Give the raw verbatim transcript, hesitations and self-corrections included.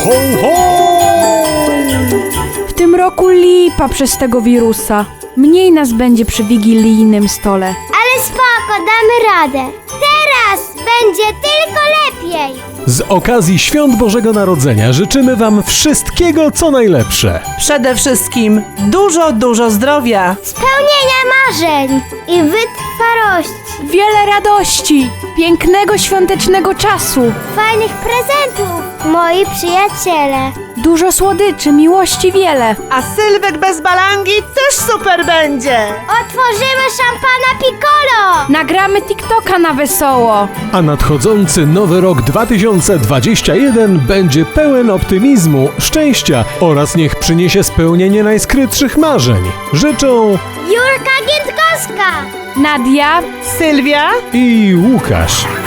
ho, ho! W tym roku lipa przez tego wirusa. Mniej nas będzie przy wigilijnym stole. Ale spoko, damy radę. Teraz będzie tylko lepiej. Z okazji Świąt Bożego Narodzenia życzymy wam wszystkiego, co najlepsze. Przede wszystkim dużo, dużo zdrowia. Spełnienia marzeń i wytrwałości. Wiele radości, pięknego świątecznego czasu, Fajnych prezentów, moi przyjaciele. dużo słodyczy, miłości wiele. A Sylwek bez balangi też super będzie. Otworzymy szampana Piccolo. Nagramy TikToka na wesoło. A nadchodzący nowy rok dwa tysiące dwudziesty pierwszy będzie pełen optymizmu, szczęścia oraz niech przyniesie spełnienie najskrytszych marzeń. Życzą Jurka Giętkowska. Nadia, Sylwia? i Łukasz.